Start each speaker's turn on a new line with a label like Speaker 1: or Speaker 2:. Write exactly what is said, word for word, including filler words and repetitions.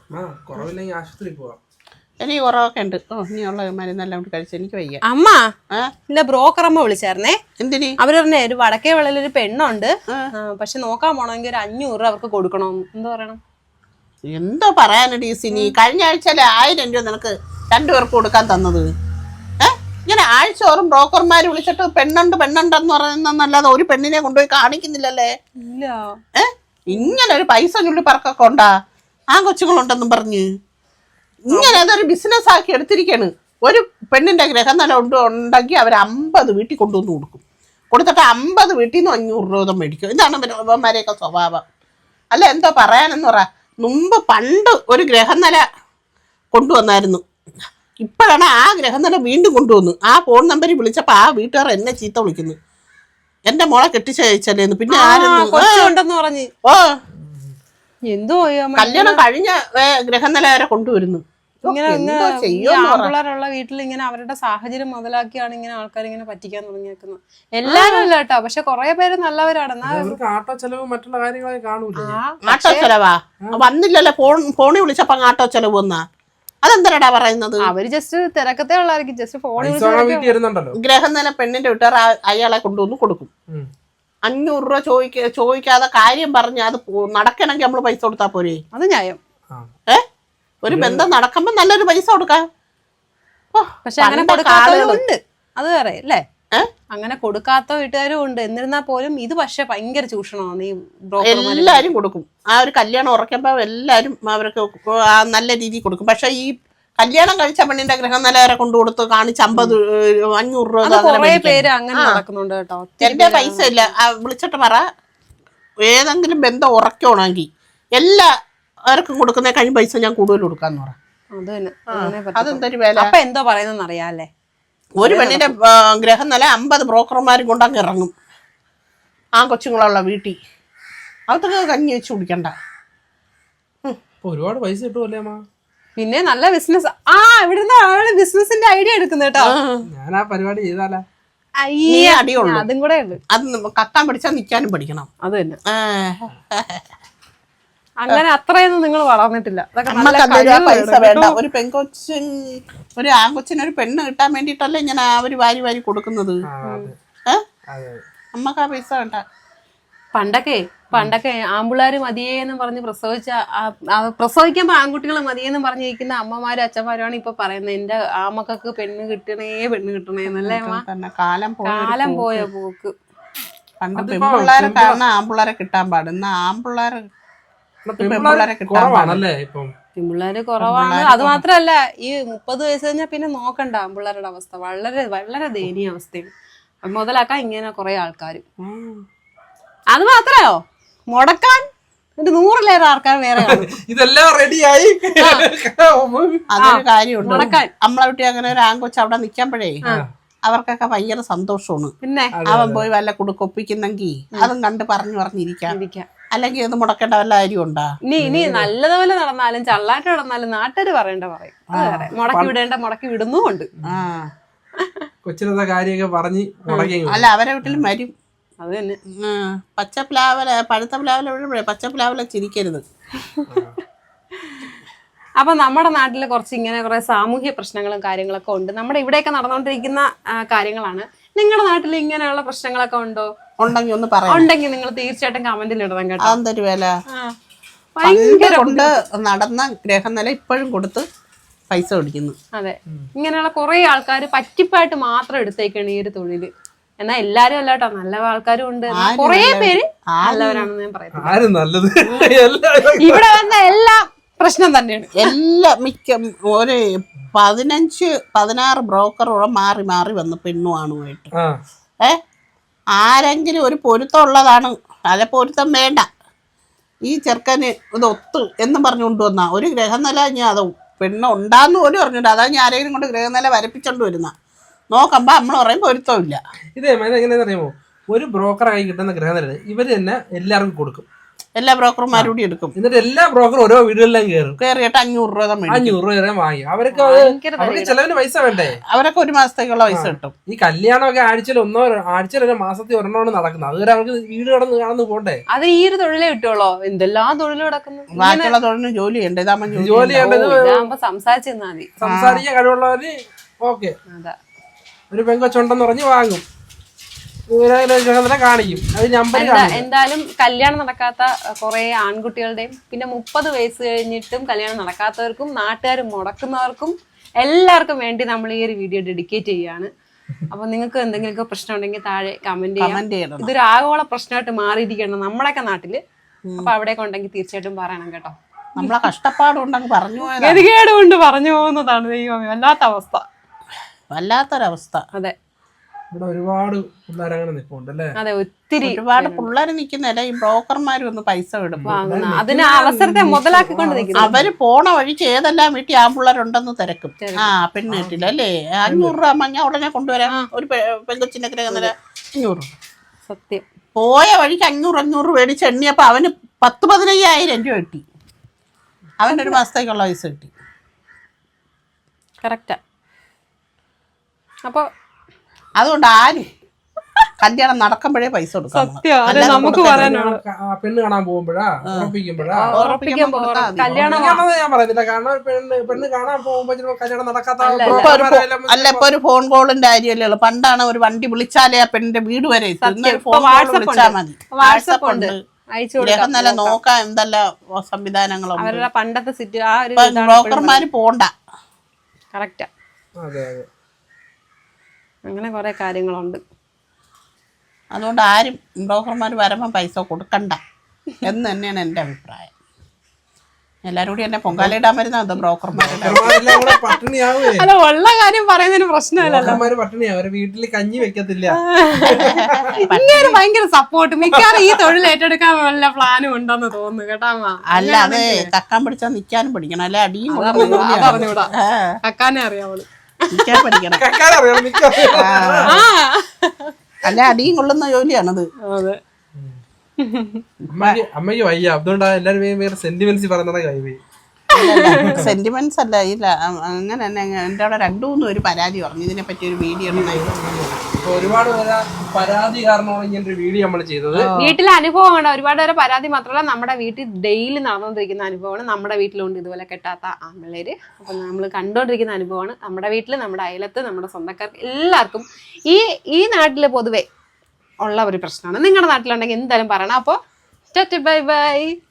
Speaker 1: എനിക്ക് കുറവൊക്കെ ഉണ്ട്. ഓ ഇനിയുള്ള മരുന്നെല്ലാം കഴിച്ച് എനിക്ക് വയ്യ.
Speaker 2: അമ്മ ഇല്ല ബ്രോക്കർ അമ്മ വിളിച്ചായിരുന്നേ.
Speaker 1: എന്തിന്?
Speaker 2: അവര് പറഞ്ഞേ ഒരു വടക്കേ വെള്ളയിലൊരു പെണ്ണുണ്ട്, പക്ഷെ നോക്കാൻ പോണെങ്കിൽ ഒരു അഞ്ഞൂറ് രൂപ അവർക്ക് കൊടുക്കണം. എന്താ പറയണം?
Speaker 1: എന്തോ പറയാനടി സിനി, കഴിഞ്ഞ ആഴ്ചയിലെ ആയിരം രൂപ നിനക്ക് രണ്ടുപേർക്ക് കൊടുക്കാൻ തന്നത്. ഏഹ് ഇങ്ങനെ ആഴ്ച ഓറും ബ്രോക്കർമാര് വിളിച്ചിട്ട് പെണ്ണുണ്ട് പെണ്ണുണ്ടെന്ന് പറയുന്നല്ലാതെ ഒരു പെണ്ണിനെ കൊണ്ടുപോയി കാണിക്കുന്നില്ലല്ലേ.
Speaker 2: ഇല്ല
Speaker 1: ഏഹ് ഇങ്ങനെ ഒരു പൈസ ചുള്ളി പറക്കൊക്കെ ഉണ്ടാ ആ കൊച്ചുങ്ങളുണ്ടെന്നും പറഞ്ഞ് ഇങ്ങനെ അതൊരു ബിസിനസ് ആക്കി എടുത്തിരിക്കാണ്. ഒരു പെണ്ണിന്റെ ഗ്രഹനില ഉണ്ട് ഉണ്ടെങ്കിൽ അവർ അമ്പത് വീട്ടിൽ കൊണ്ടുവന്ന് കൊടുക്കും. കൊടുത്തിട്ട് അമ്പത് വീട്ടിൽ നിന്ന് അഞ്ഞൂറ് രൂപ മേടിക്കും. ഇതാണ് ഇവന്മാരെയൊക്കെ സ്വഭാവം. അല്ല എന്തോ പറയാനെന്ന് പറ. മുമ്പ് പണ്ട് ഒരു ഗ്രഹനില കൊണ്ടുവന്നായിരുന്നു. ഇപ്പോഴാണ് ആ ഗ്രഹനില വീണ്ടും കൊണ്ടുവന്നു. ആ ഫോൺ നമ്പറിൽ വിളിച്ചപ്പോൾ ആ വീട്ടുകാർ എന്നെ ചീത്ത വിളിക്കുന്നു. എന്റെ മോളെ കെട്ടിച്ചയച്ചല്ലേന്ന്. പിന്നെ
Speaker 2: ആരെന്ന്
Speaker 1: ഓ
Speaker 2: എന്തോ
Speaker 1: കല്യാണം കഴിഞ്ഞ ഗ്രഹനില വരെ കൊണ്ടുവരുന്നു.
Speaker 2: ആമ്പിള്ളേരുള്ള വീട്ടിൽ ഇങ്ങനെ അവരുടെ സാഹചര്യം മുതലാക്കിയാണ് ഇങ്ങനെ ആൾക്കാർ ഇങ്ങനെ പറ്റിക്കാൻ തുടങ്ങിയേക്കുന്നത്. എല്ലാരും അല്ല കേട്ടോ, പക്ഷെ കുറെ പേര് നല്ലവരാണ്.
Speaker 3: ആട്ടോ ചെലവ് മറ്റുള്ള കാര്യങ്ങളൊക്കെ കാണൂലേ.
Speaker 1: ആട്ടോ ചെലവാ വന്നില്ലല്ലോ. ഫോൺ ഫോണിൽ വിളിച്ചപ്പോ ആട്ടോ ചെലവ് വന്നാ അതെന്തരടാ പറയുന്നത്?
Speaker 2: അവര് ജസ്റ്റ് തിരക്കത്തെ ഉള്ളായിരിക്കും. ജസ്റ്റ് ഫോണിൽ
Speaker 1: ഗ്രഹനില പെണ്ണിന്റെ വീട്ടുകാർ അയാളെ കൊണ്ടുവന്ന് കൊടുക്കും. അഞ്ഞൂറ് രൂപ ചോദിക്ക ചോദിക്കാതെ കാര്യം പറഞ്ഞ് അത് നടക്കണമെങ്കിൽ നമ്മള് പൈസ കൊടുത്താ പോരെ?
Speaker 2: അത് ന്യായം.
Speaker 1: ഏ ഒരു ബന്ധം നടക്കുമ്പോ നല്ലൊരു പൈസ കൊടുക്കാം.
Speaker 2: പക്ഷെ അങ്ങനെ കൊടുക്കാത്തവരും ഉണ്ട്. അത് വേറെ അല്ലേ? അങ്ങനെ കൊടുക്കാത്ത വീട്ടുകാരും ഉണ്ട്. എന്നിരുന്നാൽ പോലും ഇത് പക്ഷെ ഭയങ്കര ചൂഷണമാണ്. ഈ
Speaker 1: എല്ലാരും കൊടുക്കും. ആ ഒരു കല്യാണം ഉറക്കുമ്പോ എല്ലാരും അവർക്ക് നല്ല രീതിയിൽ കൊടുക്കും. പക്ഷെ ഈ കല്യാണം കഴിച്ച പെണ്ണിന്റെ ഗ്രഹനില വരെ കൊണ്ടു കൊടുത്ത് കാണിച്ച് അമ്പത് അഞ്ഞൂറ് രൂപ
Speaker 2: പേര് അങ്ങനെ നടക്കുന്നുണ്ട് കേട്ടോ.
Speaker 1: എന്റെ പൈസ ഇല്ല വിളിച്ചിട്ട് പറ. ഏതെങ്കിലും ബന്ധം ഉറക്കണമെങ്കിൽ എല്ലാവർക്കും കൊടുക്കുന്ന കഴിഞ്ഞ പൈസ ഞാൻ കൂടുതൽ കൊടുക്കാന്ന് പറ. അതെന്തൊരു വില.
Speaker 2: അപ്പൊ എന്തോ പറയുന്ന അറിയാല്ലേ.
Speaker 1: ഒരു പെണ്ണിന്റെ ഗ്രഹനില അമ്പത് ബ്രോക്കർമാരും കൊണ്ടങ്ങ് ഇറങ്ങും ആ കൊച്ചുങ്ങളുള്ള വീട്ടിൽ. അതൊക്കെ കഞ്ഞി വെച്ച് കുടിക്കണ്ട.
Speaker 3: ഒരുപാട് പൈസ കിട്ടുമല്ലേ അമ്മ.
Speaker 2: പിന്നെ നല്ല ബിസിനസ്. ആ ഇവിടുന്ന് ആള് ബിസിനസിന്റെ ഐഡിയ എടുക്കുന്ന കേട്ടോ.
Speaker 3: ഞാൻ ആ പരിപാടി ചെയ്താലോ.
Speaker 1: അടിയുള്ളൂ.
Speaker 2: അതും കൂടെ ഉണ്ട്.
Speaker 1: അത് കത്താൻ പഠിച്ചാൽ നിൽക്കാനും പഠിക്കണം.
Speaker 2: അത് തന്നെ. അങ്ങനെ അത്രയൊന്നും നിങ്ങൾ വളർന്നിട്ടില്ല.
Speaker 1: പൈസ വേണ്ട. ഒരു പെൺകൊച്ചി ഒരു ആൺകൊച്ചിന് ഒരു പെണ്ണ് കിട്ടാൻ വേണ്ടിട്ടല്ലേ ഇങ്ങനെ അവര് വാരി വാരി കൊടുക്കുന്നത്. ഏഹ് അമ്മക്ക് ആ പൈസ വേണ്ട.
Speaker 2: പണ്ടൊക്കെ പണ്ടൊക്കെ ആമ്പിള്ളേര് മതിയേന്ന് പറഞ്ഞ് പ്രസവിച്ച പ്രസവിക്കുമ്പോ ആൺകുട്ടികൾ മതിയെന്ന് പറഞ്ഞിരിക്കുന്ന അമ്മമാരും അച്ഛന്മാരുമാണ് ഇപ്പൊ പറയുന്നത് എന്റെ ആമക്കൾക്ക് പെണ്ണ് കിട്ടണേ പെണ്ണ് കിട്ടണേന്നല്ലേ.
Speaker 1: കാലം
Speaker 2: കാലം പോയ പോക്ക്.
Speaker 1: പണ്ട് പെൺപിള്ളേരെ കാരണം ആമ്പിള്ളേരെ കിട്ടാൻ പാടുന്ന ആമ്പിള്ളേരെ
Speaker 2: പെൺപിള്ളേര് കുറവാണ്. അത് മാത്രല്ല ഈ മുപ്പത് വയസ്സ് കഴിഞ്ഞാൽ പിന്നെ നോക്കണ്ട ആമ്പിള്ളേരുടെ അവസ്ഥ. വളരെ വളരെ ദയനീയ അവസ്ഥയാണ്. മുതലാക്കാൻ ഇങ്ങനെ കുറെ ആൾക്കാര്. അത് മാത്രയോ മുടക്കാൻ ഒരു നൂറിലേറെ ആൾക്കാർ വേറെ
Speaker 3: ഇതെല്ലാം റെഡിയായി.
Speaker 1: അതൊരു കാര്യമുണ്ട്. നമ്മളെ വീട്ടിൽ അങ്ങനെ ഒരു ആൺകൊച്ച് അവിടെ നിൽക്കുമ്പോഴേ അവർക്കൊക്കെ ഭയങ്കര സന്തോഷമാണ്.
Speaker 2: പിന്നെ
Speaker 1: അവൻ പോയി വല്ല കൊടുക്കൊപ്പിക്കുന്നെങ്കിൽ അതും കണ്ട് പറഞ്ഞു പറഞ്ഞിരിക്കാം. അല്ലെങ്കിൽ ഇത് മുടക്കേണ്ട വല്ല കാര്യം ഉണ്ടാ?
Speaker 2: ഇനി ഇനി നല്ലതുപോലെ നടന്നാലും ചള്ളായിട്ട് നടന്നാലും നാട്ടുകാര് പറയണ്ട പറയും. മുടക്കി വിടേണ്ട മുടക്കി വിടുന്നുമുണ്ട്.
Speaker 3: കൊച്ചിനത്തെ കാര്യമൊക്കെ പറഞ്ഞ്
Speaker 1: അല്ല അവരെ വീട്ടിലും വരും.
Speaker 2: അത് തന്നെ.
Speaker 1: പച്ച പ്ലാവല പഴുത്ത പ്ലാവല പച്ച പ്ലാവല ചിരിക്കരുത്.
Speaker 2: അപ്പൊ നമ്മുടെ നാട്ടില് കുറച്ച് ഇങ്ങനെ കുറെ സാമൂഹ്യ പ്രശ്നങ്ങളും കാര്യങ്ങളൊക്കെ ഉണ്ട്. നമ്മുടെ ഇവിടെയൊക്കെ നടന്നുകൊണ്ടിരിക്കുന്ന കാര്യങ്ങളാണ്. നിങ്ങളുടെ നാട്ടിൽ ഇങ്ങനെയുള്ള പ്രശ്നങ്ങളൊക്കെ ഉണ്ടോ?
Speaker 1: ഉണ്ടെങ്കിൽ ഒന്ന് പറയാം.
Speaker 2: ഉണ്ടെങ്കിൽ നിങ്ങൾ തീർച്ചയായിട്ടും കമന്റിൽ ഇടണം കേട്ടോ.
Speaker 1: അതൊരു വില. ഭയങ്കര കൊണ്ട് നടന്ന ഗ്രഹനില ഇപ്പോഴും കൊടുത്ത് പൈസ പിടിക്കുന്നു.
Speaker 2: അതെ, ഇങ്ങനെയുള്ള കുറെ ആൾക്കാർ പറ്റിപ്പായിട്ട് മാത്രം എടുത്തേക്കാണ് ഈ ഒരു തൊഴില്. എന്നാ എല്ലാരും അല്ല കേട്ടോ, നല്ല ആൾക്കാരും ഉണ്ട്. കുറെ പേര് നല്ലവരാണെന്ന് ഞാൻ പറയുന്നത്. ഇവിടെ വന്ന എല്ലാം പ്രശ്നം തന്നെയാണ്.
Speaker 1: എല്ലാ മിക്ക ഒരു പതിനഞ്ച് പതിനാറ് ബ്രോക്കറോളം മാറി മാറി വന്ന് പെണ്ണുമാണുമായിട്ട്. ഏ ആരെങ്കിലും ഒരു പൊരുത്തം ഉള്ളതാണ്. അല്ല പൊരുത്തം വേണ്ട, ഈ ചെറുക്കന് ഇത് ഒത്തു എന്നും പറഞ്ഞു കൊണ്ടുവന്ന ഒരു ഗ്രഹനില ഞാൻ അത് പെണ്ണ് ഉണ്ടാന്ന് പോലും പറഞ്ഞിട്ട് അതാ ഞാൻ ആരെങ്കിലും കൊണ്ട് ഗ്രഹനില വരപ്പിച്ചോണ്ട് വരുന്ന നോക്കുമ്പോ നമ്മൾ പറയും പൊരുത്തം ഇല്ല.
Speaker 3: ഇതേ എങ്ങനെയാണെന്ന് അറിയാമോ? ഒരു ബ്രോക്കറായി കിട്ടുന്ന ഗ്രഹനില ഇവര് തന്നെ എല്ലാവർക്കും കൊടുക്കും.
Speaker 1: എല്ലാ ബ്രോക്കർമാരും കൂടി എടുക്കും.
Speaker 3: എന്നിട്ട് എല്ലാ ബ്രോക്കറും ഓരോ വീടുകളിലും കയറും,
Speaker 1: കയറിയിട്ട് അഞ്ഞൂറ് രൂപ മേടിക്കും.
Speaker 3: അഞ്ഞൂറ് രൂപ വരെ വാങ്ങി. അവർക്ക് അത് അവർക്ക് ചെലവിന് പൈസ വേണ്ടേ?
Speaker 1: അവരൊക്കെ ഒരു മാസത്തേക്കുള്ള പൈസ കിട്ടും.
Speaker 3: ഈ കല്യാണമൊക്കെ ആഴ്ചയിൽ ഒന്നോ ആഴ്ചയിൽ ഒരു മാസത്തിൽ ഒരെണ്ണമാണ് നടക്കുന്നത്. അതുവരെ അവർക്ക് വീട് കടന്ന് കാണുന്നു പോണ്ടേ.
Speaker 2: അത് ഈ ഒരു തൊഴിലേ കിട്ടുള്ളൂ. എന്തെല്ലാം തൊഴിൽ കിടക്കുന്നു.
Speaker 1: ബാക്കിയുള്ള തൊഴിലിന് ജോലി ചെയ്യണ്ടേ? ഇതാകുമ്പോ
Speaker 3: ജോലി ചെയ്യേണ്ടത്
Speaker 2: ഇതാകുമ്പോ സംസാരിച്ചു തന്നാ മതി.
Speaker 3: സംസാരിക്കാൻ കഴിവുള്ളവര് ഓക്കെ,
Speaker 2: അതാ
Speaker 3: ഒരു പെങ്കൊച്ചുണ്ടെന്ന് പറഞ്ഞ് വാങ്ങും, കാണിക്കും. അത് നമ്പർ
Speaker 2: എന്തായാലും കല്യാണം നടക്കാത്ത കുറെ ആൺകുട്ടികളുടെയും പിന്നെ മുപ്പത് വയസ്സ് കഴിഞ്ഞിട്ടും കല്യാണം നടക്കാത്തവർക്കും നാട്ടുകാർ മുടക്കുന്നവർക്കും എല്ലാവർക്കും വേണ്ടി നമ്മൾ ഈ ഒരു വീഡിയോ ഡെഡിക്കേറ്റ് ചെയ്യാണ്. അപ്പൊ നിങ്ങൾക്ക് എന്തെങ്കിലുമൊക്കെ പ്രശ്നം ഉണ്ടെങ്കിൽ താഴെ കമന്റ് ചെയ്യാം. ഇതൊരു ആഗോള പ്രശ്നമായിട്ട് മാറിയിരിക്കണം നമ്മുടെയൊക്കെ നാട്ടില്. അപ്പൊ അവിടെയൊക്കെ ഉണ്ടെങ്കിൽ തീർച്ചയായിട്ടും പറയണം കേട്ടോ.
Speaker 1: നമ്മളെ കഷ്ടപ്പാടുണ്ടെങ്കിൽ പറഞ്ഞു പോയത്
Speaker 2: ഗതികേട് കൊണ്ട് പറഞ്ഞു പോകുന്നതാണ്. ദൈവമേ, വല്ലാത്ത അവസ്ഥ,
Speaker 1: വല്ലാത്തൊരവസ്ഥ.
Speaker 2: അതെ,
Speaker 3: ഇവിടെ ഒരുപാട് പിള്ളേരങ്ങനെ നിൽപ്പുണ്ട് അല്ലേ?
Speaker 2: അതെ, ഒത്തിരി
Speaker 1: ഒരുപാട് പിള്ളേർ നിൽക്കുന്നല്ല, ഈ ബ്രോക്കർമാരും ഒന്ന് പൈസ വിടും.
Speaker 2: അതിന് അവസരത്തെ മുതലാക്കിക്കൊണ്ട് നിൽക്കുന്നു.
Speaker 1: അവര് പോണ വഴിക്ക് ഏതെല്ലാം വീട്ടിൽ ആ പിള്ളേരുണ്ടെന്ന് തിരക്കും. ആ പെണ്ണ് കിട്ടില്ല അല്ലേ, അഞ്ഞൂറ് രൂപ മഞ്ഞ ഉടനെ കൊണ്ടുവരാം. ഒരു പെങ്കൊച്ചിന്റെ അന്നേരം അഞ്ഞൂറ്
Speaker 2: സത്യം.
Speaker 1: പോയ വഴിക്ക് അഞ്ഞൂറ് അഞ്ഞൂറ് മേടിച്ച് എണ്ണിയപ്പോ അവന് പത്ത് പതിനയ്യായിരം രൂപ കിട്ടി. അവൻ്റെ ഒരു മാസത്തേക്കുള്ള പൈസ കിട്ടി.
Speaker 2: കറക്റ്റാ. അപ്പൊ
Speaker 1: അതുകൊണ്ട് ആരും കല്യാണം നടക്കുമ്പോഴേ പൈസ കൊടുക്കാം.
Speaker 2: നമുക്ക്
Speaker 3: പെണ്ണ് കാണാൻ പോകുമ്പോഴാ ഉറപ്പിക്കുമ്പോഴാ
Speaker 2: കല്യാണം
Speaker 3: ഞാൻ പറയുന്നില്ല. കാരണം പെണ്ണ് പെണ്ണ് കാണാൻ പോകുമ്പോ കല്യാണം നടക്കാത്ത
Speaker 1: അല്ല, ഇപ്പൊ ഒരു ഫോൺ കോളിന്റെ കാര്യമല്ലേ ഉള്ളൂ. പണ്ടാണ് ഒരു വണ്ടി വിളിച്ചാലേ ആ പെണ്ണിന്റെ വീട് വരെ എത്തും. ഫോൺ കോൾ വിളിച്ചാൽ മതി. വാട്സപ്പ് ഉണ്ട്, നല്ല നോക്കാൻ എന്തെല്ലാം സംവിധാനങ്ങളുണ്ട്.
Speaker 2: അവരുടെ പണ്ടത്തെ സിറ്റ് ആ ഒരു
Speaker 1: ബ്രോക്കർമാര് പോണ്ട.
Speaker 2: കറക്റ്റാ.
Speaker 3: അതെ അതെ,
Speaker 2: അങ്ങനെ കുറെ കാര്യങ്ങളുണ്ട്.
Speaker 1: അതുകൊണ്ട് ആരും ബ്രോക്കർമാർ വരുമ്പോൾ പൈസ കൊടുക്കണ്ട എന്ന് തന്നെയാണ് എൻ്റെ അഭിപ്രായം. എല്ലാരും കൂടി എന്നെ പൊങ്കാലയിടാൻ വരുന്ന ബ്രോക്കർമാരുടെ
Speaker 3: പട്ടിണിയാവേ.
Speaker 2: അല്ല, ഉള്ള കാര്യം പറയുന്നതിന് പ്രശ്നമല്ലല്ലോ.
Speaker 3: പട്ടിണിയാ, അവര് വീട്ടില് കഞ്ഞി വെക്കത്തില്ല.
Speaker 2: ഇങ്ങനെ ഭയങ്കര സപ്പോർട്ട്. മിക്കവാറും ഈ തൊഴിൽ ഏറ്റെടുക്കാൻ വല്ല പ്ലാനും ഉണ്ടെന്ന് തോന്നുന്നു കേട്ടാ.
Speaker 1: അല്ല, അത് കക്കാൻ പിടിച്ചാൽ നിക്കാനും പഠിക്കണം. അല്ലെ അടിയും
Speaker 2: പറഞ്ഞൂടാ, കക്കാനേ അറിയാവുള്ളൂ.
Speaker 1: നിക്കാൻ പഠിക്കണം. അല്ല, അടിയും കൊള്ളുന്ന ജോലിയാണത്.
Speaker 2: അതെ,
Speaker 3: അമ്മയ്ക്ക് അമ്മയ്ക്ക് വയ്യ, അതുകൊണ്ടാണ് എല്ലാരും വേറെ സെന്റിമെന്റ്സ് പറയുന്നത്. കൈവേ
Speaker 1: സെന്റിമെന്റ്സ് അല്ല, ഇല്ല അങ്ങനെ തന്നെ. എൻ്റെ അവിടെ രണ്ടു മൂന്നും ഒരു പരാതി പറഞ്ഞു ഇതിനെ പറ്റി ഒരു വീഡിയോ
Speaker 3: ഒരുപാട് പരാതി കാരണമാണ് ഇങ്ങനെ ഒരു വീഡിയോ നമ്മൾ ചെയ്തത്.
Speaker 2: വീട്ടിലെ അനുഭവമാണ്. ഒരുപാട് പേരെ പരാതി മാത്രമല്ല, നമ്മുടെ വീട്ടിൽ ഡെയിലി നടന്നുകൊണ്ടിരിക്കുന്ന അനുഭവമാണ്. നമ്മുടെ വീട്ടിലുണ്ട് ഇതുപോലെ കെട്ടാത്ത ആൺപിള്ളേര്. അപ്പൊ നമ്മൾ കണ്ടുകൊണ്ടിരിക്കുന്ന അനുഭവമാണ്. നമ്മുടെ വീട്ടിൽ, നമ്മുടെ അയലത്ത്, നമ്മുടെ സ്വന്തക്കാർക്ക് എല്ലാവർക്കും ഈ ഈ നാട്ടില് പൊതുവെ ഉള്ള ഒരു പ്രശ്നമാണ്. നിങ്ങളുടെ നാട്ടിലുണ്ടെങ്കിൽ എന്തായാലും പറയണം. അപ്പോൾ ബൈ ബൈ.